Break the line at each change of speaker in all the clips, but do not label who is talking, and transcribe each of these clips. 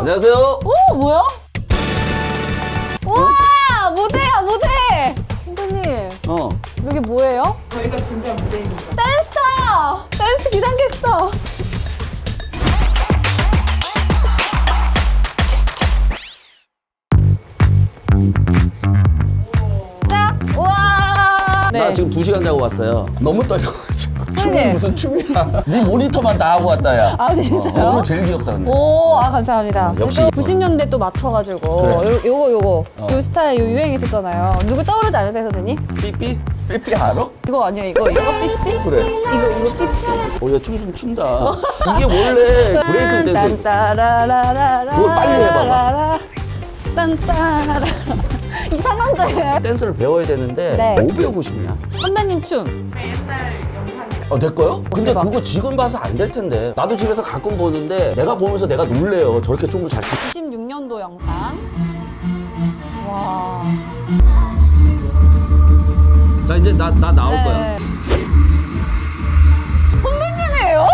안녕하세요.
오, 뭐야? 와, 무대야, 무대! 선배님, 여기 뭐예요?
저희가 준비한 무대입니다.
댄스터! 댄스 기상캐스터! 자, 우와!
나 지금 2시간 자고 왔어요. 너무 떨려가지고. 춤이 무슨 춤이야. 네 모니터만 다 하고 왔다, 야.
아, 진짜요?
오늘 제일 귀엽다, 근데.
오, 아, 감사합니다.
역시
또 90년대 또 맞춰가지고.
그래.
요거. 요 스타일 요 유행 있었잖아요. 누구 떠오르지 않으세요, 선생님?
삐삐? 삐삐 알아?
이거 아니야, 이거 삐삐?
그래.
이거 삐삐?
야, 춤 좀 춘다. 이게 원래 브레이크 댄스.
딴따라라라라.
그걸 빨리 해봐봐.
딴따라라. 이상한데.
댄스를 배워야 되는데
네.
뭐 배우고 싶냐?
선배님 춤.
옛날 영상이라.
내 거요? 근데
대박.
그거 지금 봐서 안 될 텐데. 나도 집에서 가끔 보는데 내가 보면서 내가 놀래요. 저렇게 춤을 잘 추.
96년도 영상. 와.
자, 이제 나 나올 거야.
네. 선배님이에요?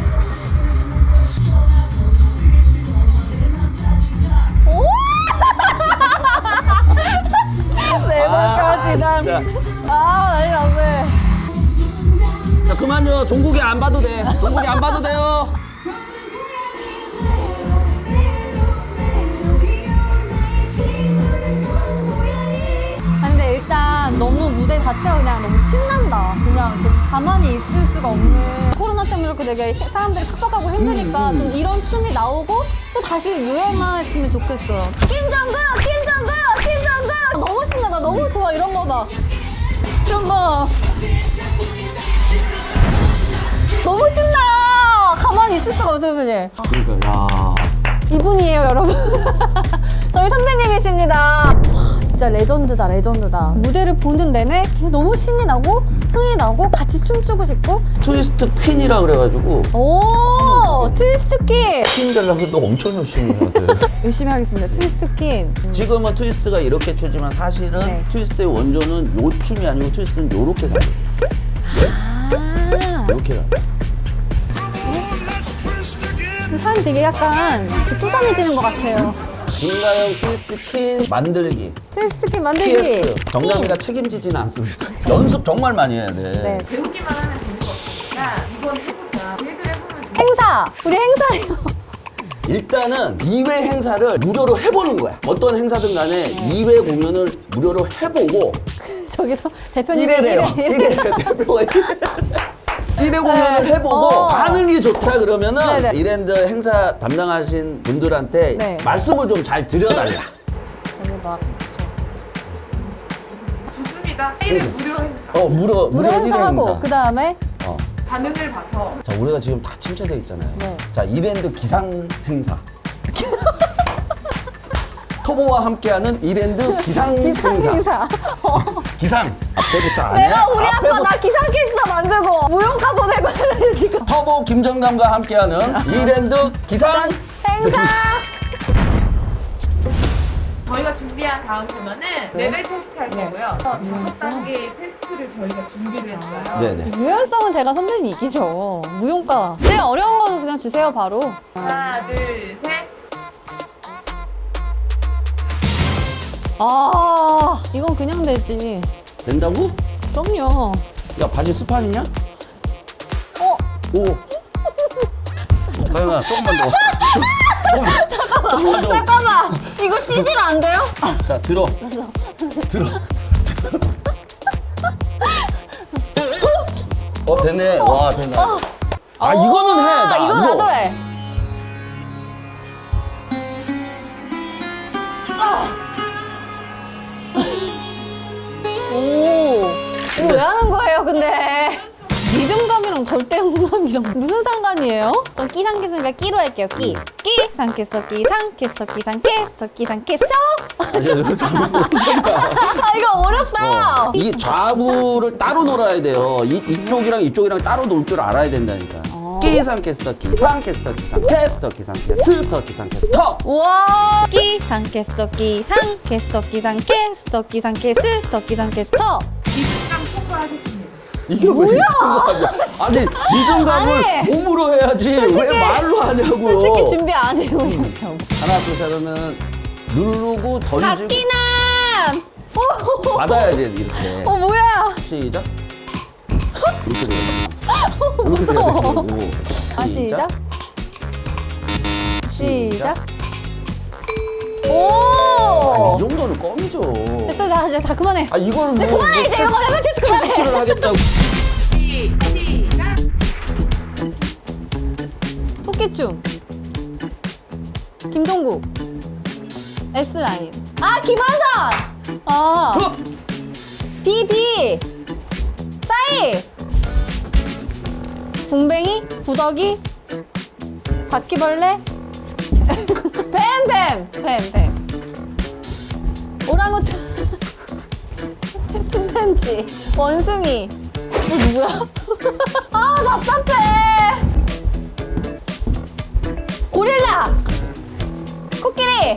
오! 네 번까지 난.
진짜.
아, 난리 났네.
자, 그만요. 종국이 안 봐도 돼. 종국이 안 봐도 돼요.
아니 근데 일단 너무 무대 자체가 그냥 너무 신난다. 그냥 좀 가만히 있을 수가 없는. 코로나 때문에 그렇게 되게 사람들이 팍팍하고 힘드니까 좀 이런 춤이 나오고 또 다시 유행하시면 좋겠어요. 김정국! 너무 신나. 나 너무 좋아. 이런 거 봐. 이런 거. 너무 신나. 가만히 있을 수가 없어요, 선배님.
그러니까, 야.
이분이에요, 여러분. 저희 선배님이십니다. 와, 진짜 레전드다. 무대를 보는 내내 너무 신이 나고 흥이 나고 같이 춤추고 싶고.
트위스트 퀸이라 그래가지고
오, 트위스트 퀸.
퀸 되려고 너 엄청 열심히 해야 돼.
열심히 하겠습니다. 트위스트 퀸.
지금은 트위스트가 이렇게 추지만 사실은
네.
트위스트의 원조는 요 춤이 아니고 트위스트는 요렇게 가요.
아,
요렇게 가요.
사람이 되게 약간 쪼잔해지는 것 같아요.
김가영 트위스트 퀸 만들기.
트위스트 퀸 만들기.
PS. 정남이가 책임지지는 않습니다. 연습 정말 많이 해야 돼.
네.
배우기만 하면 재미가 없으니까 이번 해보자. 계획을 해보면
행사. 우리 행사예요.
일단은 2회 행사를 무료로 해보는 거야. 어떤 행사든 간에 2회 공연을 무료로 해보고
저기서 대표님
1회래요. 1회 대표가 1회 공연을 해보고 반응이 좋다 그러면은
네네.
이랜드 행사 담당하신 분들한테
네.
말씀을 좀 잘 드려달라.
저기 막
좋습니다. 1회 무료 행사.
무료
무료
1회
행사하고
행사.
그 다음에
반응을 봐서
자, 우리가 지금 다 침체돼 있잖아요.
네.
자, 이랜드 기상 행사. 터보와 함께하는 이랜드 기상
기상
행사.
행사.
기상 앞에부터 안 해?
내가 우리 아빠
앞에부터.
나 기상캐스터 만들고 무용가 보내고 이러는 지금.
터보 김정남과 함께하는 이랜드 기상
행사.
저희가 준비한 다음 코너는 레벨 테스트 할 거고요. 5단계의 테스트를 저희가 준비를 했어요.
네네.
유연성은 제가 선배님이 이기죠. 무용가. 제일 어려운 거 그냥 주세요 바로.
하나, 둘, 셋.
아 이건 그냥 되지.
된다고?
그럼요.
야, 바지 스판이냐?
어
오. 가영아, 조금만 더. 조금만 더.
잠깐만 이거 CG로 안 돼요?
자, 들어. 들어. 됐네. 와, 된다. 아, 이거는 해. 나
이거
이거.
나도 해. 오, 이거 왜 하는 거예요, 근데? 리듬감이랑 절대음감이랑 무슨 상관이에요? 전 끼상캐스니까 끼로 할게요, 끼. 끼상캐스터, 끼상캐스터, 끼상캐스터, 끼상캐스터.
아,
이거 어렵다.
이게 좌우를 따로 놀아야 돼요. 이쪽이랑 이쪽이랑 따로 놀 줄 알아야 된다니까. 기상캐스터, 기상캐스터, 기상캐스터, 기상캐스터, 기상캐스터.
우와. 끼상캐스터, 끼상캐스터, 끼상캐스터, 끼상캐스터, 끼상캐스터.
기습감 통과하셨습니다.
이게 왜 이런 거 아니야? 아니 리듬감을
아니,
몸으로 해야지 왜 말로 하냐고요.
솔직히 준비 안 해오셨죠?
하나 둘 셋 하면 누르고 던지고
박기남!
받아야지 이렇게.
뭐야?
시작. 이렇게 돼요. 이렇게 돼야 되고.
시작. 시작.
이
오!
정도는 껌이죠.
됐어, 자, 이제 다 그만해.
이거는
네, 그만해, 이제 이런 거 레벨 테스트 그만해.
테스트를 하겠다고.
시작.
토끼춤. 김종국. S라인. 아, 김한선!
어?
비비. 싸이. 궁뱅이. 구더기. 바퀴벌레. 뱀. 오랑우탄. 침팬지. 원숭이. 누구야? 아, 답답해. 고릴라. 코끼리.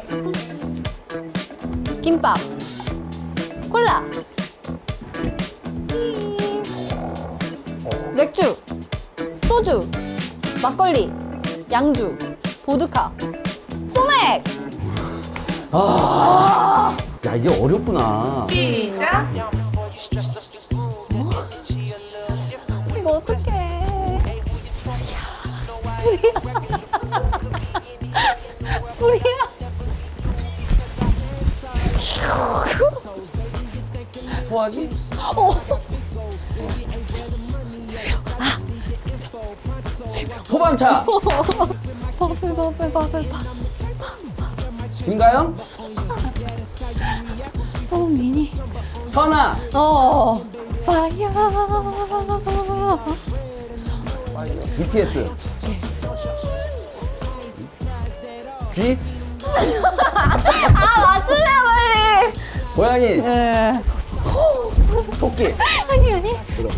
김밥. 콜라. 맥주. 소주. 막걸리. 양주. 보드카. 소맥.
야 이게 어렵구나.
시작.
이거 어떡해. 우리야.
소화기? 소방차.
버블.
김가영?
미니.
현아.
파이어.
BTS. 쥐?
맞추세요, 빨리.
고양이.
네.
토끼.
아니.
그럼.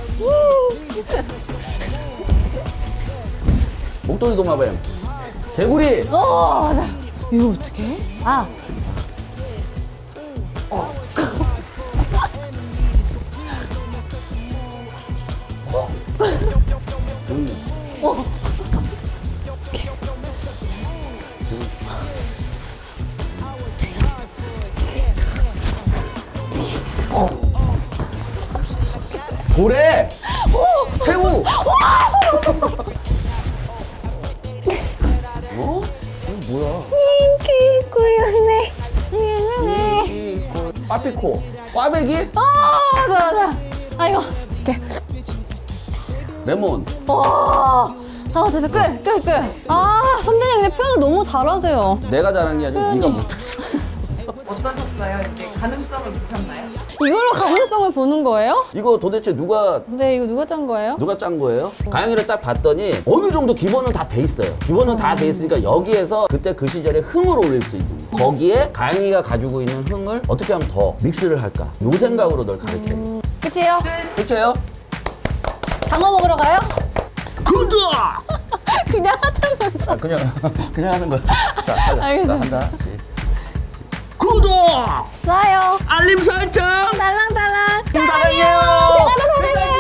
목도리 도마뱀. 개구리.
맞아. 이거 어떡해?
고래. 새우. 어? 이거 뭐야?
인기 꾸였네.
빠삐코. 꽈배기.
맞아. 이거. 오케이.
레몬.
진짜 끝. 선배님 근데 표현을 너무 잘하세요.
내가 잘한 게 아니라
표현이.
네가 못했어.
어떠셨어요? 이제 가능성을 보셨나요?
이걸로 가능성을 보는 거예요?
이거 도대체 누가
근데 이거 누가 짠 거예요?
짠 거예요? 가영이를 딱 봤더니 어느 정도 기본은 다 돼 있어요. 기본은 다 돼 있으니까 여기에서 그때 그 시절에 흥을 올릴 수 있는 거. 거기에 가영이가 가지고 있는 흥을 어떻게 하면 더 믹스를 할까? 요 생각으로 널 가르쳐요.
끝이에요?
그렇죠?
장어 먹으러 가요?
구독!
그냥 하자면서.
그냥 하는 거야. 자, 하자.
알겠어요.
자, 한다. 구독!
좋아요.
알림 설정!
달랑달랑.
사랑해요.
제가 더 사랑해요.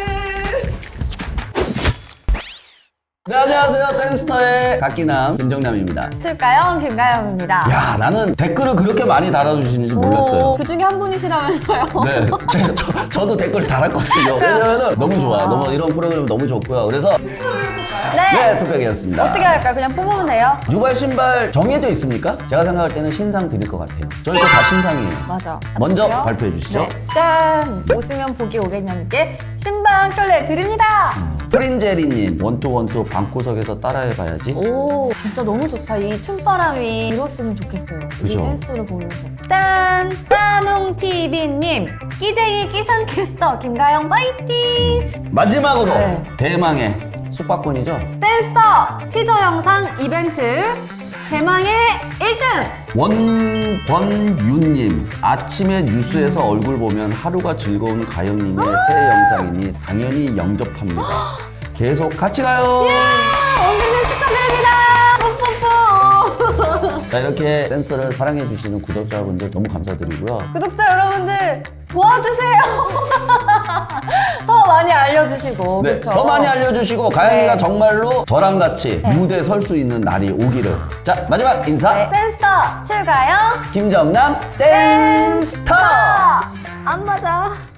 네, 안녕하세요. 댄스터의 박기남, 김정남입니다.
출가영, 김가영입니다.
야, 나는 댓글을 그렇게 많이 달아주시는지 몰랐어요.
그 중에 한 분이시라면서요.
네, 저도 댓글 달았거든요. 왜냐면은 너무 좋아. 너무 이런 프로그램 너무 좋고요. 그래서 네, 투표기였습니다.
어떻게 할까요? 그냥 뽑으면 돼요?
유발 신발 정해져 있습니까? 제가 생각할 때는 신상 드릴 것 같아요. 저희 거 다 신상이에요.
맞아.
먼저
그래요?
발표해 주시죠.
네. 짠! 웃으면 복이 오겠냐님께 신방 켤레 드립니다.
프린제리님, 원투원투 방구석에서 따라해봐야지.
오, 진짜 너무 좋다. 이 춤바람이 일었으면 좋겠어요. 이
그죠?
댄스를 보면서. 짠! 짜농TV님, 끼쟁이 끼상캐스터 김가영 파이팅!
마지막으로
네.
대망의 숙박권이죠.
댄스터 티저 영상 이벤트 대망의 1등!
원권윤님, 아침에 뉴스에서 얼굴 보면 하루가 즐거운 가영님의 새 영상이니 당연히 영접합니다. 계속 같이 가요.
원빈님 축하드립니다! 뿜뿜뿜!
자, 이렇게 댄스를 사랑해주시는 구독자분들 너무 감사드리고요.
구독자 여러분들 도와주세요. 더 많이 알려주시고.
네,
그쵸?
더 많이 알려주시고 가영이가
네.
정말로 저랑 같이 무대에 설 수 있는 날이 오기를. 자, 마지막 인사.
네. 댄스터 출가요.
김정남 댄스터.
안 맞아.